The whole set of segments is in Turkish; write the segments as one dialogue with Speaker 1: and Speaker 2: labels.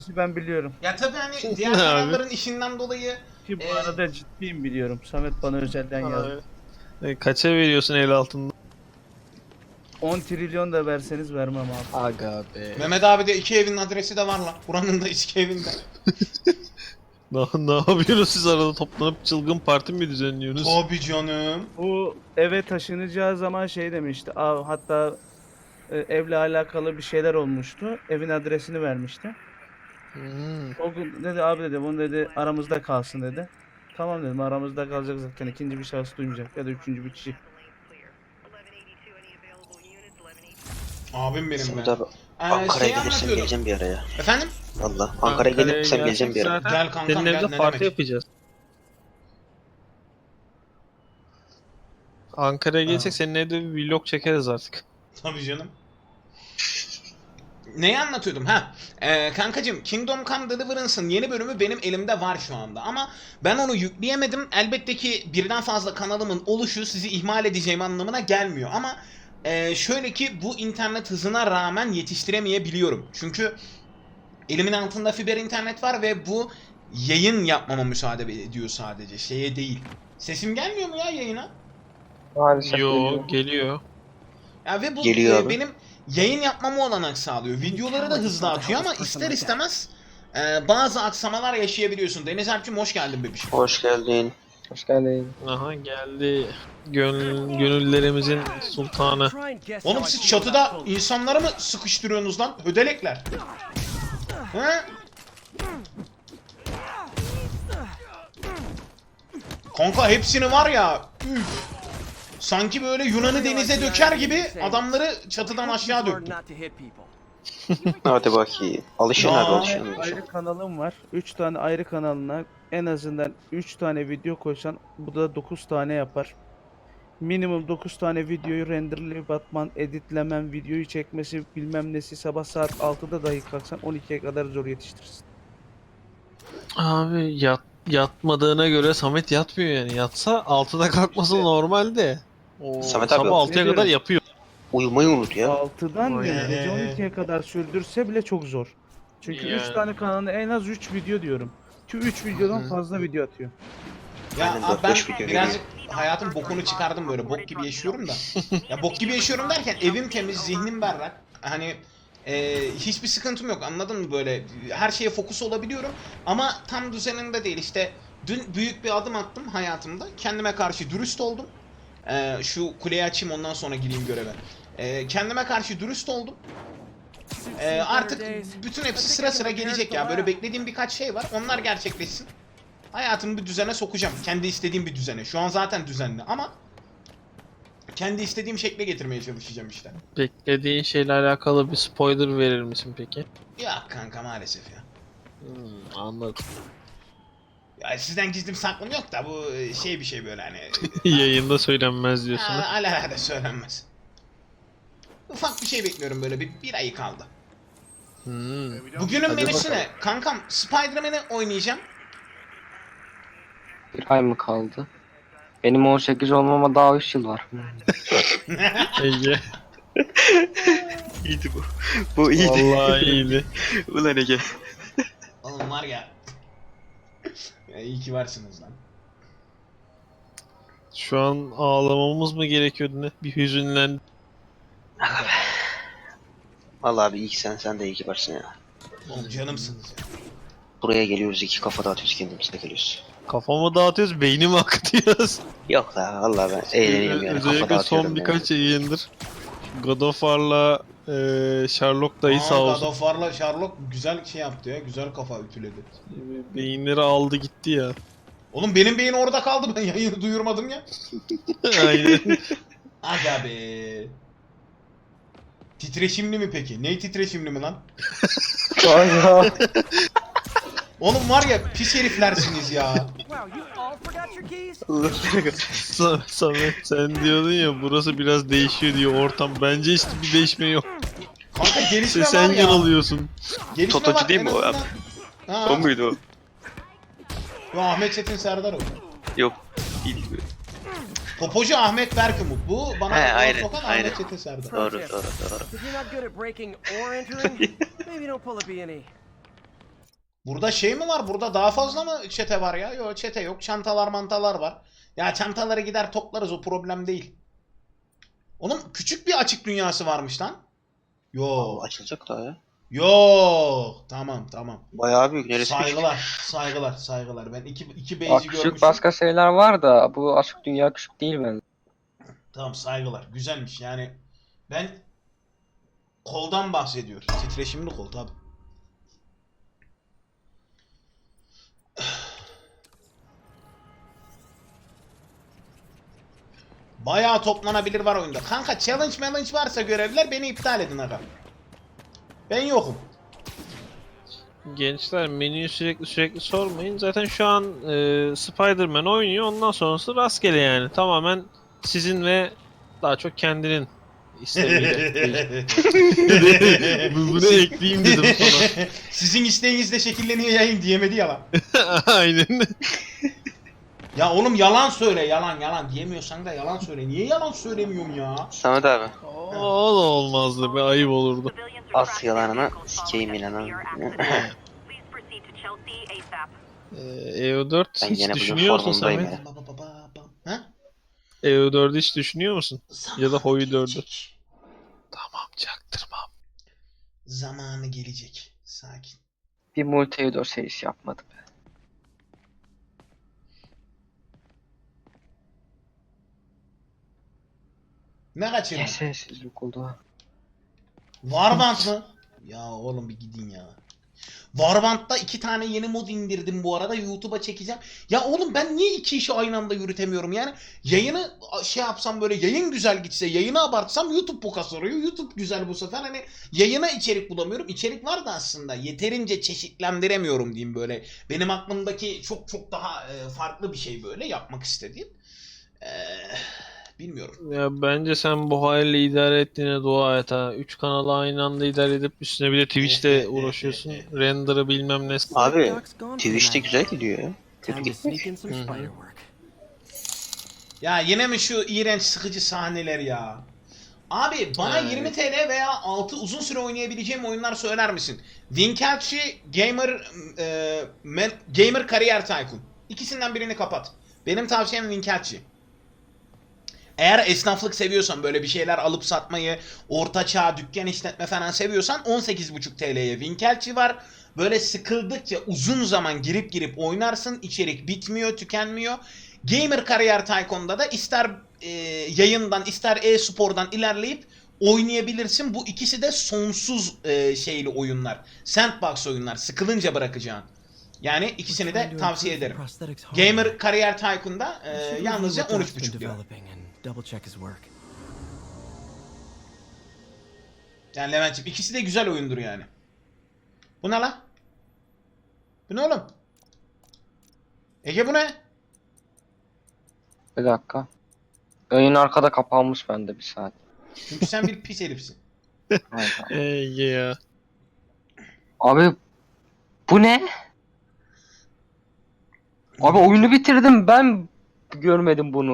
Speaker 1: Ben biliyorum.
Speaker 2: Ya tabii hani diğer kanalların işinden dolayı
Speaker 1: Ki bu arada ciddiyim biliyorum. Samet bana özelden yazdı.
Speaker 3: Kaça veriyorsun el altında?
Speaker 1: 10 trilyon da verseniz vermem abi.
Speaker 3: Aga be.
Speaker 2: Mehmet abi de iki evin adresi de var lan. Buranın da iki evinde.
Speaker 3: Ne yapıyorsunuz siz arada toplanıp çılgın parti mi düzenliyorsunuz?
Speaker 2: Tabii canım.
Speaker 1: Bu eve taşınacağı zaman şey demişti. Hatta evle alakalı bir şeyler olmuştu. Evin adresini vermişti. O gün dedi abi dedi bunu dedi aramızda kalsın dedi. Tamam dedim aramızda kalacak zaten ikinci bir şahıs duymayacak ya da üçüncü bir kişi.
Speaker 2: Abim benim
Speaker 4: Samet
Speaker 2: be.
Speaker 4: abi Ankara'ya
Speaker 2: Şey
Speaker 4: gelirsem
Speaker 2: anlatıyordum.
Speaker 4: geleceğim bir araya.
Speaker 2: Efendim?
Speaker 4: Valla Ankara'ya gelirsem
Speaker 3: gelsek
Speaker 4: geleceğim bir ara.
Speaker 3: zaten
Speaker 2: Gel kankam,
Speaker 3: senin
Speaker 2: gel,
Speaker 3: evde
Speaker 2: ne
Speaker 3: parti
Speaker 2: demek?
Speaker 3: yapacağız. Ankara'ya gelsek senin evde bir vlog çekeriz artık.
Speaker 2: Tabii canım. Neyi anlatıyordum? Kankacım, Kingdom Come Deliverance'ın yeni bölümü benim elimde var şu anda ama ben onu yükleyemedim. Elbette ki birden fazla kanalımın oluşu sizi ihmal edeceğim anlamına gelmiyor ama şöyle ki bu internet hızına rağmen yetiştiremeyebiliyorum. Çünkü elimin altında fiber internet var ve bu yayın yapmama müsaade ediyor sadece, şeye değil. Sesim gelmiyor mu ya yayına?
Speaker 5: Maalesef
Speaker 3: Yo geliyor.
Speaker 2: Ya ve bu
Speaker 4: Geliyor abi.
Speaker 2: benim yayın yapmama olanak sağlıyor. Videoları da hızlı atıyor ama ister istemez bazı aksamalar yaşayabiliyorsun. Deniz Alp'cim hoş geldin bebişim.
Speaker 4: Hoş geldin.
Speaker 5: Hoş geldin.
Speaker 3: Aha geldi. Gönüllerimizin sultanı.
Speaker 2: Oğlum siz çatıda insanları mı sıkıştırıyorsunuz lan? Hödelekler. He? Kanka hepsini var ya. Üf. Sanki böyle Yunan'ı denize döker gibi adamları çatıdan aşağı döktüm.
Speaker 4: Hadi bakayım. Alışın
Speaker 2: Ya.
Speaker 4: abi alışın.
Speaker 1: Ayrı kanalım var. 3 tane ayrı kanalına en azından 3 tane video koysan bu da 9 tane yapar. Minimum 9 tane videoyu renderlayıp atman, editlemen, videoyu çekmesi bilmem nesi sabah saat 6'da dahi kalksan 12'ye kadar zor yetiştirirsin.
Speaker 3: Abi yatmadığına göre Samet yatmıyor yani. Yatsa 6'da kalkması
Speaker 1: İşte.
Speaker 3: normal de. O
Speaker 4: Samet abi,
Speaker 3: sabah 6'ya
Speaker 1: ne
Speaker 3: kadar
Speaker 1: diyorum?
Speaker 3: yapıyor.
Speaker 4: Uyumayı unut ya.
Speaker 1: 6'dan diyorum, gece
Speaker 2: Vay.
Speaker 1: 12'ye kadar sürdürse bile çok zor. Çünkü 3
Speaker 3: Yani.
Speaker 1: tane kanalına en az 3 video diyorum. Ki 3 videodan fazla video atıyor.
Speaker 2: Ya
Speaker 4: Aynen,
Speaker 2: abi ben
Speaker 4: 4-5 video
Speaker 2: birazcık hayatın bokunu çıkardım böyle. Bok gibi yaşıyorum da. Ya bok gibi yaşıyorum derken evim temiz, zihnim berrak. Hani hiçbir sıkıntım yok, anladın mı böyle? Her şeye fokus olabiliyorum ama tam düzeninde değil. İşte dün büyük bir adım attım hayatımda. Kendime karşı dürüst oldum. Şu kuleyi açayım ondan sonra gireyim göreve. Kendime karşı dürüst oldum. Artık bütün hepsi sıra sıra gelecek ya. Böyle beklediğim birkaç şey var. Onlar gerçekleşsin. Hayatımı bir düzene sokacağım. Kendi istediğim bir düzene. Şu an zaten düzenli ama kendi istediğim şekle getirmeye çalışacağım işte.
Speaker 3: Beklediğin şeyle alakalı bir spoiler verir misin peki?
Speaker 2: Ya kanka maalesef ya.
Speaker 3: Anladım.
Speaker 2: Ya sizden gizlim saklım yok da bu şey bir şey böyle hani.
Speaker 3: Yayında söylenmez diyorsun. ha?
Speaker 2: Alelade söylenmez. Ufak bir şey bekliyorum böyle bir ayı kaldı. Bugünün
Speaker 3: Hadi
Speaker 2: menüsü
Speaker 3: bakalım.
Speaker 2: ne? Kankam Spider-Man'i oynayacağım.
Speaker 5: Bir ay mı kaldı? Benim 18 olmama daha 3 yıl var.
Speaker 3: Ege.
Speaker 4: İyiydi bu. Bu iyiydi.
Speaker 3: Vallahi iyiydi.
Speaker 4: Ulan Ege.
Speaker 2: Oğlum var ya. Ya iyi ki varsınız lan.
Speaker 3: Şu an ağlamamız mı gerekiyordu ne? Bir hüzünlen.
Speaker 4: Valla abi iyi ki sen de iyi ki varsın ya.
Speaker 2: Oğlum canımsınız ya.
Speaker 4: Buraya geliyoruz, iki kafa dağıtıyoruz, kendimize geliyoruz.
Speaker 3: Kafamı dağıtıyoruz, beynimi akıtıyoruz.
Speaker 4: Yok la valla ben eğleniyorum yani, kafa
Speaker 3: Özellikle
Speaker 4: dağıtıyorum
Speaker 3: son
Speaker 4: yani.
Speaker 3: birkaç yayındır. God of War'la Sherlock dayı sağ
Speaker 2: God
Speaker 3: olsun.
Speaker 2: of War'la Sherlock güzel şey yaptı ya. Güzel kafa ütüledi.
Speaker 3: Beyinleri aldı gitti ya.
Speaker 2: Oğlum benim beyin orada kaldı, ben yayını duyurmadım ya.
Speaker 3: Aynen.
Speaker 2: Aga be. Titreşimli mi peki? Ney titreşimli mi lan?
Speaker 5: Kanka.
Speaker 2: Oğlum var ya pis heriflersiniz ya.
Speaker 3: Samet sen diyordun ya burası biraz değişiyor diyor ortam. Bence hiç bir değişme yok.
Speaker 2: Kanka gelişme
Speaker 3: Sen
Speaker 2: var ya.
Speaker 3: yanılıyorsun.
Speaker 2: Gelişme
Speaker 4: Totocu
Speaker 2: var,
Speaker 4: değil
Speaker 2: en
Speaker 4: mi o
Speaker 2: azından. Ha.
Speaker 4: O muydu o?
Speaker 2: Yo, Ahmet Çetin Serdar o.
Speaker 4: Yok. İyiydi bu.
Speaker 2: Topocu Ahmet Berkımut. Bu bana
Speaker 4: He,
Speaker 2: laf
Speaker 4: aynen,
Speaker 2: sokan
Speaker 4: aynen.
Speaker 2: Ahmet Çetin Serdar.
Speaker 4: Doğru.
Speaker 6: If you're not good at breaking or entering, maybe don't pull a B&E.
Speaker 2: Burada şey mi var? Burada daha fazla mı çete var ya? Yok çete yok. Çantalar mantalar var. Ya çantaları gider toplarız, o problem değil. Onun küçük bir açık dünyası varmış lan. Yok.
Speaker 4: Açılacak daha ya.
Speaker 2: Yok. Tamam tamam.
Speaker 4: Bayağı büyük. Neresi küçük?
Speaker 2: Saygılar. Ben iki
Speaker 5: Bak
Speaker 2: base'i
Speaker 5: küçük
Speaker 2: görmüşüm.
Speaker 5: başka şeyler var da bu açık dünya küçük değil bence.
Speaker 2: Tamam saygılar. Güzelmiş yani. Ben koldan bahsediyorum. Titreşimli kol tabi. Bayağı toplanabilir var oyunda. Kanka challenge varsa görevler beni iptal edin aga. Ben yokum.
Speaker 3: Gençler menüyü sürekli sormayın. Zaten şu an Spider-Man oynuyor. Ondan sonrası rastgele yani. Tamamen sizin ve daha çok kendinin isteğiyle. Bunu ekleyeyim dedim sonra.
Speaker 2: Sizin isteğinizle şekilleniyor yayın diyemedi ya lan.
Speaker 3: Aynen.
Speaker 2: Ya oğlum yalan söyle, yalan diyemiyorsan da yalan söyle. Niye yalan söylemiyorum ya?
Speaker 4: Samet abi.
Speaker 3: O da olmazdı be, ayıp olurdu.
Speaker 4: As yalanına sikeyim inanın.
Speaker 3: EU4
Speaker 4: Ben
Speaker 3: hiç
Speaker 4: gene bugün
Speaker 3: düşünüyor musun
Speaker 4: formundayım
Speaker 3: Samet?
Speaker 4: ya.
Speaker 2: Ha?
Speaker 3: EU4'ü hiç düşünüyor musun? Ya da Hoyu 4'ü.
Speaker 2: Gelecek.
Speaker 3: Tamam, çaktırmam.
Speaker 2: Zamanı gelecek. Sakin.
Speaker 5: Bir Multiedor serisi yapmadı be.
Speaker 2: Ne kaçırdın?
Speaker 5: Sessizlik oldu ha.
Speaker 2: Warband mı? Ya oğlum bir gidin ya. Warband'da 2 tane yeni mod indirdim bu arada. YouTube'a çekeceğim. Ya oğlum ben niye 2 işi aynı anda yürütemiyorum yani? Yayını şey yapsam, böyle yayın güzel gitse, yayını abartsam YouTube boka soruyor. YouTube güzel bu sefer, hani yayına içerik bulamıyorum. İçerik var da aslında yeterince çeşitlendiremiyorum diyeyim böyle. Benim aklımdaki çok daha farklı bir şey böyle yapmak istediğim. Bilmiyorum.
Speaker 3: Ya bence sen bu haliyle idare ettiğine dua et ha. 3 kanalı aynı anda idare edip üstüne bir de Twitch'te uğraşıyorsun. Render'ı bilmem ne.
Speaker 4: Abi Twitch'te güzel gidiyor ya. Kötü gitmiş.
Speaker 2: Ya yine mi şu iğrenç sıkıcı sahneler ya? Abi bana
Speaker 3: Evet.
Speaker 2: 20 TL veya altı uzun süre oynayabileceğim oyunlar söyler misin? Winkelçi Gamer Kariyer Tycoon. İkisinden birini kapat. Benim tavsiyem Winkelçi. Eğer esnaflık seviyorsan, böyle bir şeyler alıp satmayı, orta çağ dükkan işletme falan seviyorsan 18,5 TL'ye Winkelçi var. Böyle sıkıldıkça uzun zaman girip oynarsın. İçerik bitmiyor, tükenmiyor. Gamer Kariyer Tycoon'da da ister yayından ister e-spordan ilerleyip oynayabilirsin. Bu ikisi de sonsuz şeyli oyunlar. Sandbox oyunlar. Sıkılınca bırakacağın. Yani ikisini de tavsiye ederim. Gamer Kariyer Tycoon'da yalnızca 13,5 lira. Yani Levent'ciğim ikisi de güzel oyundur yani. Bu ne la? Bu ne oğlum? Ege bu ne?
Speaker 5: Bir dakika. Yayın arkada kapanmış bende bir saat.
Speaker 2: Çünkü sen bir pis herifsin.
Speaker 5: Hayda.
Speaker 3: Ya.
Speaker 5: Abi bu ne? Abi oyunu bitirdim, ben görmedim bunu.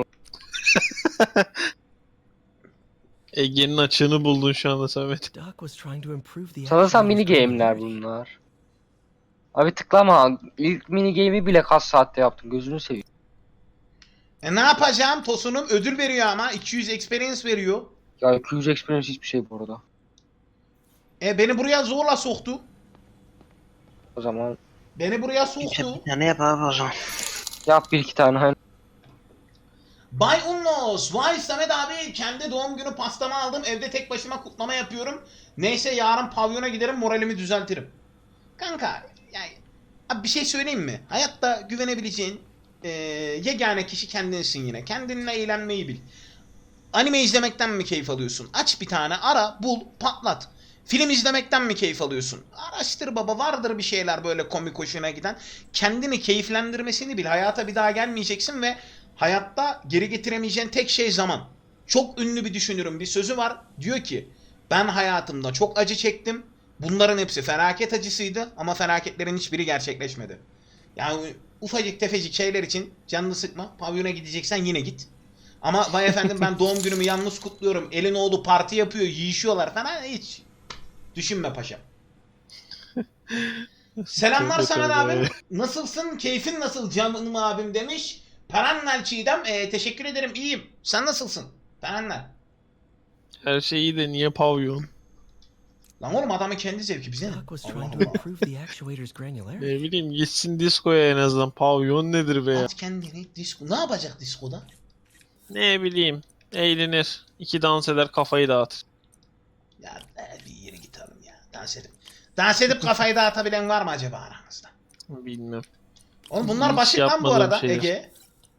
Speaker 3: Ege'nin açığını buldun şu anda Samet.
Speaker 5: Sanırsam mini game'ler bunlar. Abi tıklama. İlk mini game'i bile kaç saatte yaptım, gözünü seveyim.
Speaker 2: Ne yapacağım? Tosunum ödül veriyor ama 200 experience veriyor.
Speaker 5: Ya 200 experience hiçbir şey bu arada.
Speaker 2: Beni buraya zorla soktu.
Speaker 5: O zaman
Speaker 2: Beni buraya soktu.
Speaker 4: Bir tane yap abi o zaman.
Speaker 5: yap bir iki tane.
Speaker 2: Bay Unnos, vay Samet abi, kendi doğum günü pastamı aldım, evde tek başıma kutlama yapıyorum. Neyse yarın pavyona giderim, moralimi düzeltirim. Kanka yani abi bir şey söyleyeyim mi? Hayatta güvenebileceğin yegane kişi kendinsin yine. Kendinle eğlenmeyi bil. Anime izlemekten mi keyif alıyorsun? Aç bir tane, ara, bul, patlat. Film izlemekten mi keyif alıyorsun? Araştır baba, vardır bir şeyler böyle komik hoşuna giden. Kendini keyiflendirmesini bil. Hayata bir daha gelmeyeceksin ve hayatta geri getiremeyeceğin tek şey zaman. Çok ünlü bir düşünürün bir sözü var. Diyor ki ben hayatımda çok acı çektim. Bunların hepsi felaket acısıydı ama felaketlerin hiçbiri gerçekleşmedi. Yani ufacık tefecik şeyler için canını sıkma. Pavyona gideceksen yine git. Ama vay efendim ben doğum günümü yalnız kutluyorum. Elin oğlu parti yapıyor, yiyişiyorlar falan, hiç düşünme paşam. Selamlar
Speaker 3: Çok
Speaker 2: Samet
Speaker 3: kötü
Speaker 2: abim.
Speaker 3: abi.
Speaker 2: Nasılsın? Keyfin nasıl canım abim demiş. Perannel Çiğdem. Teşekkür ederim. İyiyim. Sen nasılsın? Perannel.
Speaker 3: Her şey iyi de niye pavyon?
Speaker 2: Lan oğlum adamın kendi zevki bize ne?
Speaker 6: Doc was
Speaker 2: Allah
Speaker 6: trying to
Speaker 2: Allah.
Speaker 6: improve the actuator's granularity.
Speaker 3: Ne bileyim gitsin diskoya en azından. Pavyon nedir be ya?
Speaker 2: At kendini disko. Ne yapacak diskoda?
Speaker 3: Ne bileyim. Eğlenir. İki dans eder kafayı dağıtır.
Speaker 2: Ya bir yere gidelim ya. Dans edip kafayı dağıtabilen var mı acaba aramızda?
Speaker 3: Bilmem.
Speaker 2: Oğlum bunlar
Speaker 3: Hiç
Speaker 2: basit lan bu
Speaker 3: yapmadığım
Speaker 2: arada
Speaker 3: şeyler.
Speaker 2: Ege.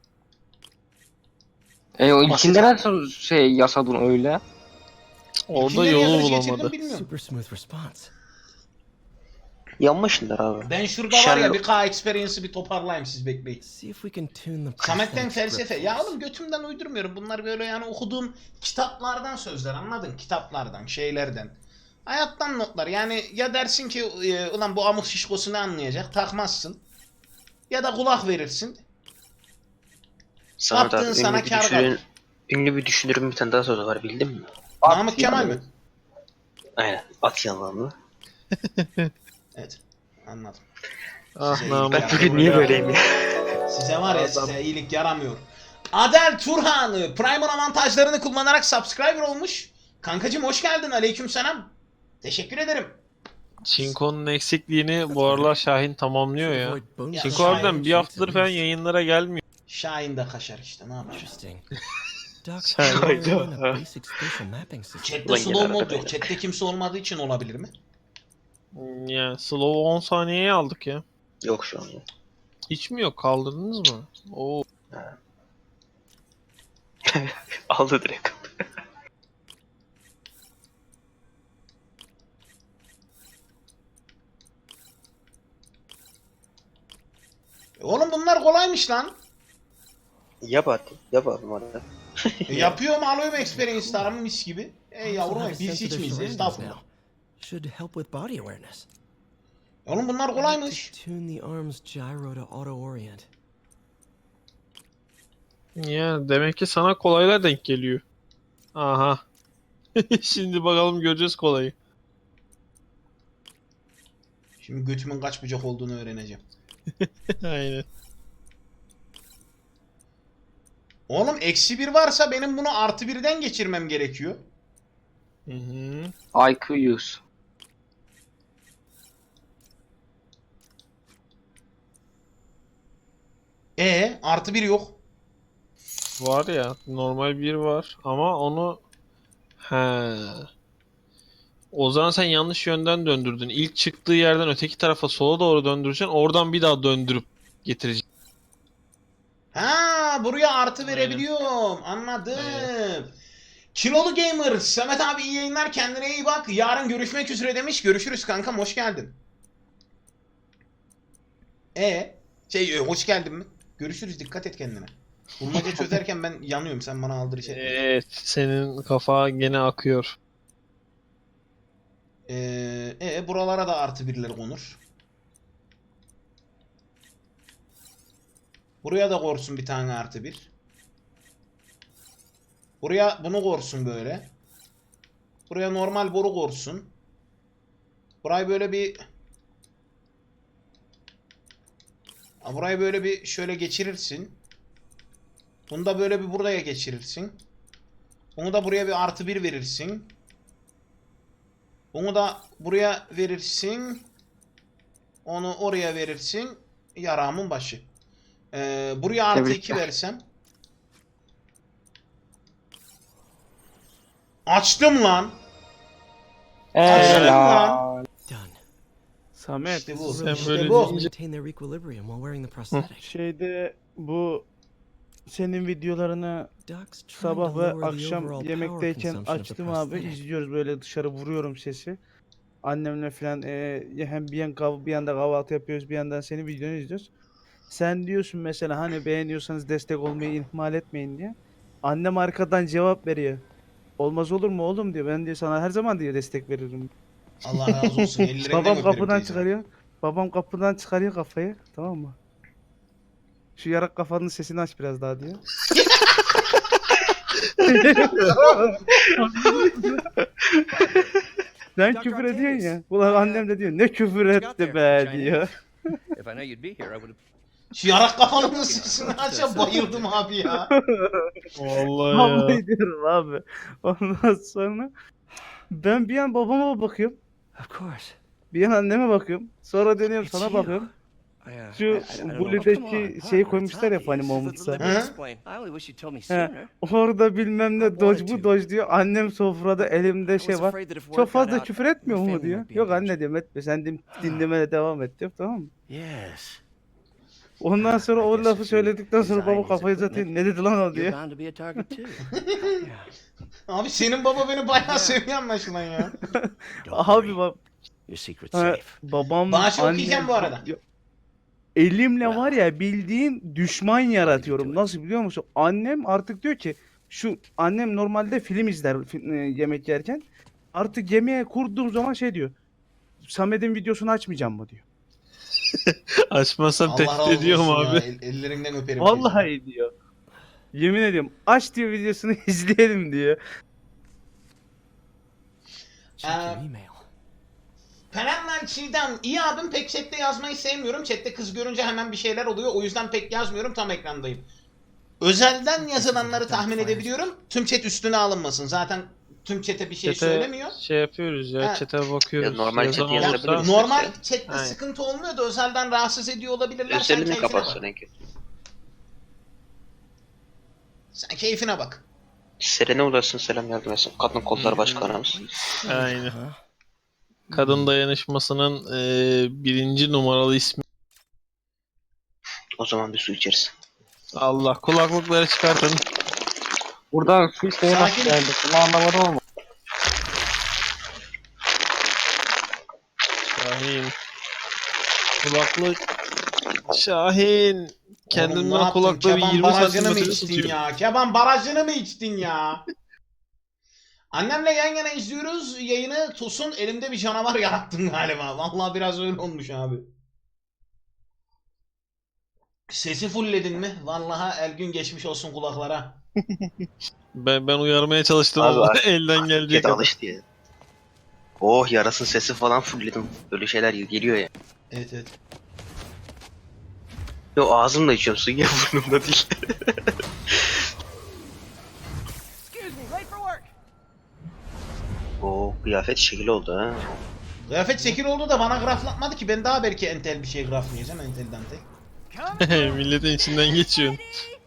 Speaker 5: O içinde nasıl şey yasadın öyle?
Speaker 3: Orada
Speaker 2: Kimleri
Speaker 3: yolu
Speaker 2: yazmış geçirdim
Speaker 3: bulamadı.
Speaker 2: bilmiyorum.
Speaker 6: Super smooth response.
Speaker 4: Yanmışlar abi.
Speaker 2: Ben şurada var ya bir K experience'ı bir toparlayayım siz bekleyin.
Speaker 6: See if we can tune the
Speaker 2: Samet'ten
Speaker 6: prosthetic
Speaker 2: felsefe.
Speaker 6: grip
Speaker 2: Ya
Speaker 6: force.
Speaker 2: oğlum götümden uydurmuyorum. Bunlar böyle yani okuduğum kitaplardan sözler anladın? Kitaplardan, şeylerden. Hayattan notlar. Yani ya dersin ki ulan bu amık şişkosu ne anlayacak? Takmazsın. Ya da kulak verirsin.
Speaker 4: Samet
Speaker 2: Yaptığın
Speaker 4: abi
Speaker 2: sana kâr kalır.
Speaker 4: ünlü bir düşünürün bir tane daha sözü var bildin mi?
Speaker 2: Namık Kemal mi?
Speaker 4: Aynen. At yalanı.
Speaker 2: Evet. Anladım.
Speaker 3: Ah
Speaker 2: Size
Speaker 3: Namık.
Speaker 2: iyilik
Speaker 4: Bugün niye böyleyim ya?
Speaker 2: Size var ya
Speaker 3: Adam.
Speaker 2: size iyilik yaramıyor. Adel Turhan'ı Prime'ın avantajlarını kullanarak subscriber olmuş. Kankacım hoş geldin. Aleykümselam. Teşekkür ederim.
Speaker 3: Çinko'nun eksikliğini bu aralar Şahin tamamlıyor ya.
Speaker 6: Avoid bone
Speaker 2: Ya
Speaker 3: Çinko
Speaker 2: Şahin
Speaker 3: harbiden bir haftadır falan yayınlara gelmiyor.
Speaker 2: Şahin de kaşar işte ne yapacağız?
Speaker 6: Interesting. Doc,
Speaker 3: Şahin.
Speaker 6: how do I run a basic spatial mapping system?
Speaker 2: Chat'te
Speaker 4: Ulan
Speaker 2: slow
Speaker 4: gene
Speaker 2: mod
Speaker 4: arada
Speaker 2: yok.
Speaker 4: böyle.
Speaker 2: Chat'te kimse olmadığı için olabilir mi?
Speaker 3: Yani slow 10 saniyeye aldık ya.
Speaker 4: Yok şu an ya.
Speaker 3: Hiç mi yok? Kaldırdınız mı? Oo.
Speaker 4: Aldı direkt.
Speaker 2: Oğlum bunlar kolaymış lan.
Speaker 4: Yap hadi. Yap abi madem.
Speaker 2: Yapıyorum alıyorum experience'larımı mis gibi. Ey
Speaker 6: Also
Speaker 2: yavrum
Speaker 6: have a
Speaker 2: biz
Speaker 6: sense of
Speaker 2: hiç
Speaker 6: their
Speaker 2: miyiz?
Speaker 6: surroundings
Speaker 2: Estağfurullah.
Speaker 6: now. Should help with body awareness.
Speaker 2: Oğlum bunlar
Speaker 6: I like
Speaker 2: kolaymış.
Speaker 6: to tune the arm's gyro to auto orient.
Speaker 3: Ya demek ki sana kolaylar denk geliyor. Aha. Şimdi bakalım göreceğiz kolayı.
Speaker 2: Şimdi götümün kaç bucak olduğunu öğreneceğim.
Speaker 3: Aynen.
Speaker 2: Oğlum -1 varsa benim bunu +1'den geçirmem gerekiyor.
Speaker 3: Hı hı.
Speaker 5: IQ 100.
Speaker 2: +1 yok.
Speaker 3: Var ya normal bir var ama onu he. O zaman sen yanlış yönden döndürdün. İlk çıktığı yerden öteki tarafa sola doğru döndüreceksin. Oradan bir daha döndürüp getireceksin.
Speaker 2: Ha buraya artı verebiliyorum. Anladım. Kilolu Gamer. Samet abi iyi yayınlar. Kendine iyi bak. Yarın görüşmek üzere demiş. Görüşürüz kankam. Hoş geldin. Hoş geldin mi? Görüşürüz. Dikkat et kendine. Bulmaca çözerken ben yanıyorum. Sen bana aldır şey.
Speaker 3: Evet, senin kafa gene akıyor.
Speaker 2: Buralara da +1'ler konur. Buraya da korsun bir tane +1. Buraya bunu korsun böyle. Buraya normal boru korsun. Burayı böyle bir... Burayı böyle bir şöyle geçirirsin. Bunu da böyle bir buraya geçirirsin. Bunu da buraya bir +1 verirsin. Bunu da buraya verirsin. Onu oraya verirsin. Yaramın başı. Buraya +2
Speaker 5: Tebrikler.
Speaker 2: versem. Açtım lan.
Speaker 5: Helal.
Speaker 6: Done.
Speaker 1: Samet,
Speaker 2: İşte bu.
Speaker 3: Sen
Speaker 2: İşte
Speaker 3: böyle
Speaker 2: bu.
Speaker 3: deyince-
Speaker 6: Maintain their equilibrium while wearing the prosthetic.
Speaker 1: şeyde bu senin videolarını
Speaker 6: Doc's trying
Speaker 1: sabah
Speaker 6: to
Speaker 1: ve
Speaker 6: lower the
Speaker 1: akşam
Speaker 6: overall
Speaker 1: yemekteyken
Speaker 6: power consumption of the
Speaker 1: açtım abi.
Speaker 6: prosthetic.
Speaker 1: İzliyoruz böyle dışarı vuruyorum sesi. Annemle falan hem bir yanda kahvaltı yapıyoruz bir yandan senin videonu izliyoruz. Sen diyorsun mesela hani beğeniyorsanız destek olmayı ihmal etmeyin diye. Annem arkadan cevap veriyor. Olmaz olur mu oğlum diyor. Ben diyor sana her zaman diyor destek veririm.
Speaker 2: Allah razı olsun. Ellerinden
Speaker 1: Babam
Speaker 2: öperim
Speaker 1: kapıdan
Speaker 2: teyze.
Speaker 1: çıkarıyor. Babam kapıdan çıkarıyor kafayı. Tamam mı? Şu yarak kafanın sesini aç biraz daha diyor. Sen
Speaker 7: Dr.
Speaker 1: küfür ediyorsun ya.
Speaker 7: Octavius.
Speaker 1: Ulan annem de diyor ne küfür etti be diyor.
Speaker 7: If I know you'd be here, I would have.
Speaker 2: Şu yarak kafanın sesini aç, bayıldım abi ya.
Speaker 3: Vallahi ya.
Speaker 1: Vallahi diyorum abi. Ondan sonra ben bir an babama bakıyorum.
Speaker 6: Of course.
Speaker 1: Bir an anneme bakıyorum. Sonra dönüyorum
Speaker 6: It's
Speaker 1: sana
Speaker 6: you.
Speaker 1: bakıyorum.
Speaker 6: I
Speaker 1: Şu
Speaker 6: don't know.
Speaker 1: Buli'deki şeyi koymuşlar ya Funny Moments'a.
Speaker 7: Let
Speaker 2: Hı?
Speaker 7: me explain. I only wish you'd told me
Speaker 1: He.
Speaker 7: sooner.
Speaker 1: Orada bilmem ne dodge bu dodge diyor. Annem sofrada elimde
Speaker 7: I was
Speaker 1: şey var.
Speaker 7: afraid that if word
Speaker 1: Çok
Speaker 7: got
Speaker 1: fazla
Speaker 7: out,
Speaker 1: küfür
Speaker 7: your
Speaker 1: etmiyor mu
Speaker 7: family
Speaker 1: diyor.
Speaker 7: might be in
Speaker 1: Yok
Speaker 7: danger.
Speaker 1: anne diyorum etme sen dinlemene devam et diyor tamam mı?
Speaker 6: Yes.
Speaker 1: Ondan sonra
Speaker 7: I
Speaker 1: o
Speaker 7: guess
Speaker 1: lafı
Speaker 7: if you
Speaker 1: söyledikten sonra
Speaker 7: design
Speaker 1: baba
Speaker 7: his
Speaker 1: kafayı
Speaker 7: equipment,
Speaker 1: uzatıyor. Ne dedi lan o
Speaker 7: You're
Speaker 1: diyor.
Speaker 7: bound to be a target too.
Speaker 6: Yeah.
Speaker 2: Abi senin baba beni bayağı seviyor anlaşılan ya.
Speaker 7: Don't
Speaker 1: Abi
Speaker 7: worry.
Speaker 1: bak
Speaker 7: Your secret's
Speaker 1: ha,
Speaker 7: safe.
Speaker 1: babam
Speaker 2: Bana şey
Speaker 1: annem-
Speaker 2: okuyacağım bu arada.
Speaker 1: Elimle var ya bildiğin düşman yaratıyorum. Nasıl biliyor musun? Annem artık diyor ki şu annem normalde film izler yemek yerken. Artık yemeğe kurduğum zaman şey diyor. Samet'in videosunu açmayacağım mı diyor.
Speaker 3: Açmazsan
Speaker 2: Allah
Speaker 3: tehdit
Speaker 2: razı
Speaker 3: ediyorum
Speaker 2: olsun ya.
Speaker 3: abi.
Speaker 2: Ellerinden öperim.
Speaker 1: Vallahi diyor. Yemin ediyorum. Aç diyor videosunu izleyelim diyor.
Speaker 6: Check your email.
Speaker 2: Perenler Çiğdem, iyi abim pek chatte yazmayı sevmiyorum. Chatte kız görünce hemen bir şeyler oluyor. O yüzden pek yazmıyorum. Tam ekrandayım. Özelden yazılanları tahmin edebiliyorum. Tüm chat üstüne alınmasın. Zaten tüm chat'e bir şey söylemiyor.
Speaker 3: Şey yapıyoruz ya,
Speaker 2: Ha.
Speaker 3: chat'e bakıyoruz.
Speaker 4: Ya normal
Speaker 3: Yazan
Speaker 4: chat
Speaker 3: olursa-
Speaker 4: yazabiliriz.
Speaker 2: Normal chatte
Speaker 3: Aynen.
Speaker 2: sıkıntı olmuyor da özelden rahatsız ediyor olabilirler. Sen
Speaker 4: Özelini
Speaker 2: keyfine
Speaker 4: kapatsın
Speaker 2: bak.
Speaker 4: en kötü.
Speaker 2: Sen keyfine bak.
Speaker 4: Serene ulaşsın, selam yardım etsin. Kadın kolları başkanımız.
Speaker 3: Aynen.
Speaker 6: Huh?
Speaker 3: Kadın dayanışmasının birinci numaralı ismi.
Speaker 4: O zaman bir su içeriz.
Speaker 3: Allah, kulaklıkları çıkartın.
Speaker 5: Buradan şu şeye nasıl
Speaker 2: Sakin.
Speaker 5: geldi? Bunu anlamadım ama.
Speaker 3: Şahin. Kulaklık. Şahin. Kendimden
Speaker 2: Oğlum ne yaptın?
Speaker 3: kulaklığı
Speaker 2: Keban
Speaker 3: 20
Speaker 2: barajını mı
Speaker 3: santimetre
Speaker 2: içtin
Speaker 3: tutuyor.
Speaker 2: ya? Keban barajını mı içtin ya? Annemle yan yana izliyoruz yayını. Tosun elimde bir canavar yarattın galiba. Vallahi biraz öyle olmuş abi. Sesi fullledin mi? Vallahi el gün geçmiş olsun kulaklara.
Speaker 3: Ben uyarmaya çalıştım
Speaker 4: Abi,
Speaker 3: ama
Speaker 4: artık-
Speaker 3: elden gelecek.
Speaker 4: Kedi alıştı ya. Oh, yarasın sesi falan fullledim. Böyle şeyler geliyor ya.
Speaker 2: Evet evet.
Speaker 4: Yo, ağzımla içiyorum, suyu ya, burnumda değil. Oo, kıyafet şekil oldu ha.
Speaker 2: Kıyafet şekil oldu da bana graflatmadı ki. Ben daha belki entel bir şey graflayacağım. Entel dantel.
Speaker 3: Milletin içinden geçiyorsun.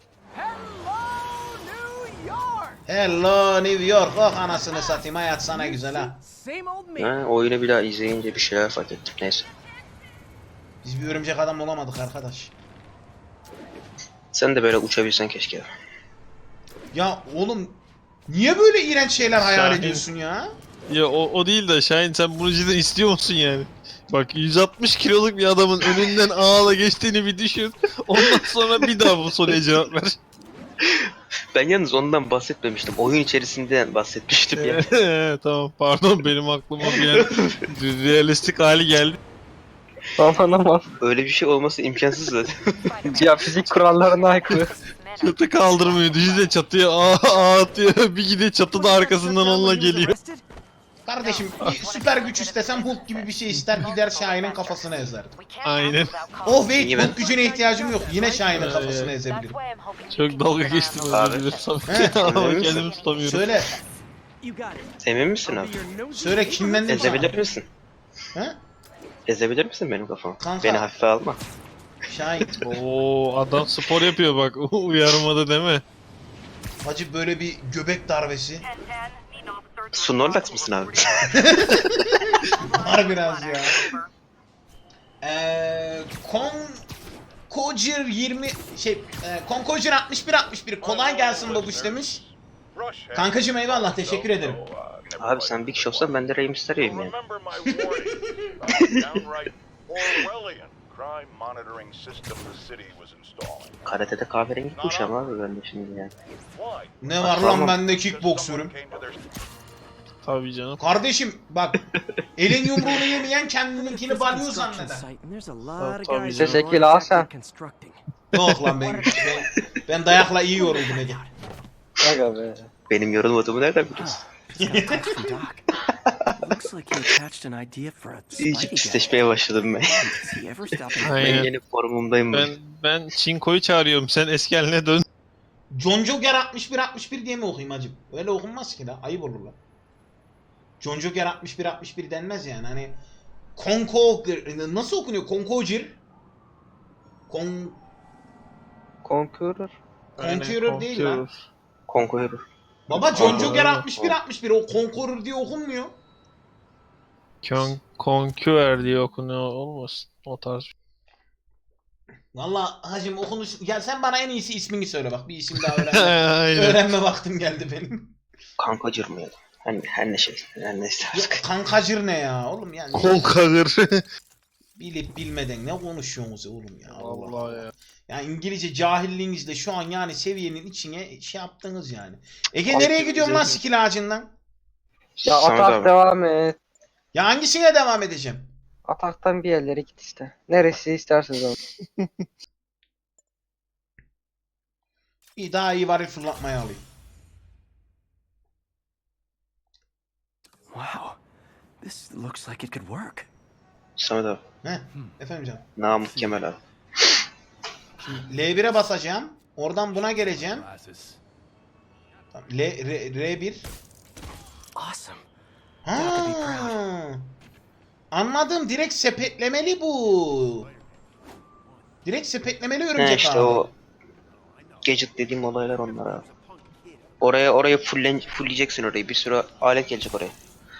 Speaker 2: Hello New York. Oh anasını satayım. Hayat sana güzel ha.
Speaker 4: Ha, oyunu bir daha izleyince bir şeyler fark ettim. Neyse.
Speaker 2: Biz bir örümcek adam olamadık arkadaş.
Speaker 4: Sen de böyle uçabilsen keşke.
Speaker 2: Ya oğlum niye böyle iğrenç şeyler hayal
Speaker 3: Şahin.
Speaker 2: ediyorsun ya?
Speaker 3: Ya o değil de Şahin, sen bunu cidden istiyor musun yani? Bak 160 kiloluk bir adamın önünden ağla geçtiğini bir düşün. Ondan sonra bir daha bu soruya cevap ver.
Speaker 4: Ben yalnız ondan bahsetmemiştim. Oyun içerisinden bahsetmiştim ya.
Speaker 3: Tamam, pardon, benim aklıma bir an realistik hali geldi.
Speaker 5: Aman aman.
Speaker 4: Öyle bir şey olması imkansız zaten.
Speaker 5: Ya fizik kurallarına aykırı.
Speaker 3: Çatı kaldırmıyor. Düşünsene, çatıya ağ atıyor. Bir gidiyor çatıda arkasından onunla geliyor.
Speaker 2: Kardeşim bir süper güç istesem Hulk gibi bir şey ister gider Şahin'in kafasını ezerdim.
Speaker 3: Aynen.
Speaker 2: Oh wait
Speaker 4: İyi ben-
Speaker 2: Hulk gücüne ihtiyacım yok. Yine Şahin'in
Speaker 3: Evet.
Speaker 2: kafasını ezebilirim.
Speaker 3: Çok dalga geçtim, özür
Speaker 4: Abi.
Speaker 3: dilerim.
Speaker 2: He,
Speaker 3: Ama
Speaker 4: emin misin?
Speaker 3: kendimi tutamıyorum.
Speaker 2: Söyle.
Speaker 4: Emin misin abi?
Speaker 2: Söyle kim benden
Speaker 4: Ezebilir misin?
Speaker 2: He?
Speaker 4: Ezebilir misin benim kafamı?
Speaker 2: Kanka.
Speaker 4: Beni hafife alma.
Speaker 2: Şahin.
Speaker 3: Oo, adam spor yapıyor bak. Uyarmadı deme.
Speaker 2: Hacı böyle bir göbek darbesi.
Speaker 4: Snorlax mısın abi?
Speaker 2: Var biraz ya. Koncir 20 Konkojir 61 kolay gelsin babuş demiş. Kankacım eyvallah teşekkür ederim.
Speaker 4: Abi sen Big Show'san ben de Rey Mysterio'yum yani. Karate'de kahverengi kuşam abi ben de şimdi yani.
Speaker 2: Ne var lan
Speaker 4: Tamam.
Speaker 2: bende kickboksörüm.
Speaker 3: Tabii canım.
Speaker 2: Kardeşim bak elin yumruğunu yemeyen kendininkini balyoz zanneder.
Speaker 3: Tabii
Speaker 5: Ses ekil al sen.
Speaker 2: Yok lan ben dayakla iyi yoruldum Ege.
Speaker 5: Aga be.
Speaker 4: Benim yorulmadığımı nereden biliyorsun?
Speaker 6: Looks like he attached an idea for a
Speaker 4: İyice
Speaker 6: Spidey
Speaker 4: pisleşmeye başladım ben.
Speaker 6: gadget. Does he ever stop and
Speaker 3: Aynen.
Speaker 4: Ben yeni formumdayım.
Speaker 3: Ben Çinko'yu çağırıyorum. Sen eski haline dön.
Speaker 2: John Joker 61 diye mi okuyayım hacım? Öyle okunmaz ki la. Ayıp olur la. John Joker 61 denmez yani. Hani nasıl okunuyor? Conqueror.
Speaker 5: Conqueror.
Speaker 2: Conqueror değil lan.
Speaker 4: Conqueror.
Speaker 2: Baba John
Speaker 3: Conqueror.
Speaker 2: Joker 61 o Conqueror diye okunmuyor.
Speaker 3: Conqueror diye okunuyor olmasın. O tarz.
Speaker 2: Valla hacım okunuş... Ya sen bana en iyisi ismini söyle bak. Bir isim daha
Speaker 3: Aynen.
Speaker 2: öğrenme vaktim geldi benim.
Speaker 4: Kankacır mı ya? Her ne şey. Her neyse
Speaker 2: Ya,
Speaker 4: artık.
Speaker 2: kankacır ne ya oğlum yani.
Speaker 3: Conqueror.
Speaker 2: Bilip bilmeden ne konuşuyorsunuz oğlum ya. Allah
Speaker 3: Vallahi
Speaker 2: Allah.
Speaker 3: ya.
Speaker 2: Yani İngilizce cahilliğinizle şu an yani seviyenin içine şey yaptınız yani. Ege
Speaker 4: Abi,
Speaker 2: nereye gidiyorsun lan
Speaker 3: güzel.
Speaker 2: skill ağacından?
Speaker 5: Ya
Speaker 4: Samet
Speaker 5: atak
Speaker 4: abi.
Speaker 5: devam et.
Speaker 2: Ya hangisine devam edeceğim?
Speaker 5: Ataktan bir yerlere git işte. Neresi isterseniz ama.
Speaker 2: İyi daha iyi varil fırlatmayı alayım.
Speaker 6: Wow. This looks like it could work.
Speaker 4: Samet abi.
Speaker 2: He efendim canım.
Speaker 4: Namık Kemal abi.
Speaker 2: L1'e basacağım. Oradan buna geleceğim. Tamam, R1.
Speaker 6: Awesome.
Speaker 2: Ha. Anladım. Direkt sepetlemeli bu. Direkt sepetlemeli
Speaker 4: He
Speaker 2: örümcek
Speaker 4: işte
Speaker 2: abi.
Speaker 4: o gadget dediğim olaylar onlar abi. Oraya fullleyeceksin orayı. Bir sürü alet gelecek oraya.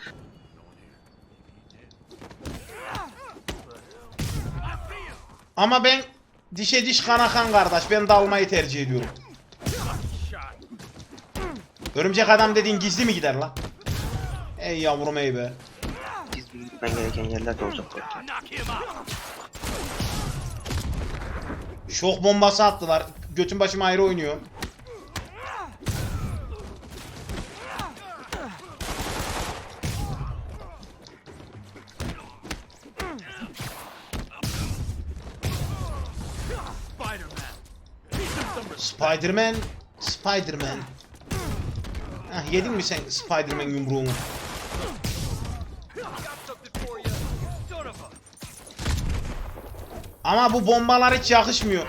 Speaker 2: Ama ben dişe diş kana kan kardeş. Ben dalmayı tercih ediyorum. Örümcek adam dediğin gizli mi gider lan? Ey yavrum ey be.
Speaker 4: Biz gitmen gereken yerler de olacak belki.
Speaker 2: Şok bombası attılar. Götün başım ayrı oynuyor. Spider-Man. Hah, yedin mi sen Spider-Man yumruğunu? Ama bu bombalar hiç yakışmıyor.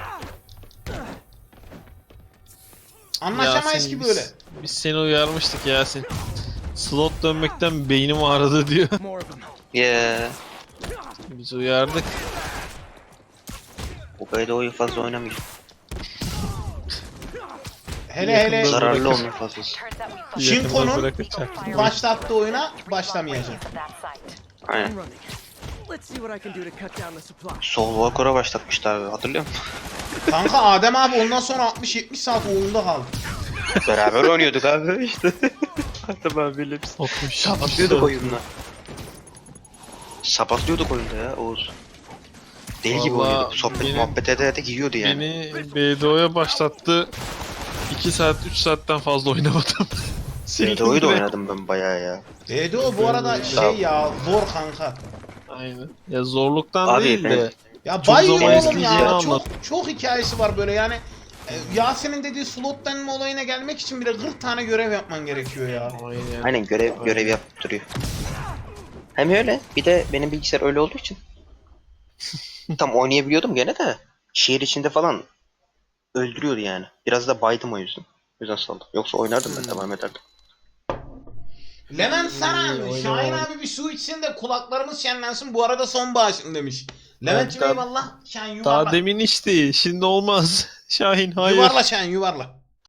Speaker 2: Anlaşamayız
Speaker 3: Yasin,
Speaker 2: ki böyle.
Speaker 3: Biz seni uyarmıştık Yasin. Slot dönmekten beynim ağrıdı diyor.
Speaker 4: Yeah.
Speaker 3: Biz uyardık.
Speaker 4: O BDO'yu fazla oynamayacak.
Speaker 2: Hele hele
Speaker 4: Zararlı olmuyor fazlası.
Speaker 2: Shinko'nun
Speaker 3: Yakında bırakacak.
Speaker 2: başlattığı oyuna başlamayacak.
Speaker 4: Aynen.
Speaker 6: Let's see what I can do to cut down the supply.
Speaker 4: Soul Walker'a başlatmıştı abi, hatırlıyor musun?
Speaker 2: Kanka Adem abi ondan sonra 60-70 saat oyunda kaldı.
Speaker 4: Beraber oynuyorduk abi işte. Adem abiyle biz sapatlıyorduk oyunda. Sapatlıyorduk oyunda ya Oğuz. Deli gibi
Speaker 3: Vallahi
Speaker 4: oynuyorduk. Sohbet
Speaker 3: benim-
Speaker 4: muhabbet ede giyiyordu yani.
Speaker 3: Beni BDO'ya başlattı. 2 saat 3 saatten fazla oynamadım.
Speaker 4: BDO'yu da oynadım ben bayağı ya.
Speaker 2: BDO bu arada şey ya zor kanka.
Speaker 3: Aynen. Ya zorluktan
Speaker 4: Abi
Speaker 3: değil de.
Speaker 2: Ya
Speaker 3: Çok
Speaker 2: bayıyor
Speaker 3: zaman
Speaker 2: oğlum
Speaker 3: isteyeceğini
Speaker 2: ya.
Speaker 3: anlat.
Speaker 2: Çok hikayesi var böyle yani. Yasin'in dediği slot denme olayına gelmek için bile 40 tane görev yapman gerekiyor ya.
Speaker 3: Aynen.
Speaker 4: Aynen görev yapıp duruyor. Hem öyle bir de benim bilgisayar öyle olduğu için. Tam oynayabiliyordum gene de. Şehir içinde falan öldürüyordu yani. Biraz da baydım o yüzden. O yüzden saldım. Yoksa oynardım ben, devam ederdim.
Speaker 2: Levent Saran,
Speaker 3: İyi,
Speaker 2: Şahin
Speaker 3: oyna.
Speaker 2: abi bir su içsin de kulaklarımız şenlensin bu arada son bağışın demiş. Levent'cim
Speaker 3: daha-
Speaker 2: eyvallah. Şahin yuvarla.
Speaker 3: Daha demin içti. Şimdi olmaz. Şahin hayır.
Speaker 2: Yuvarla Şahin yuvarla.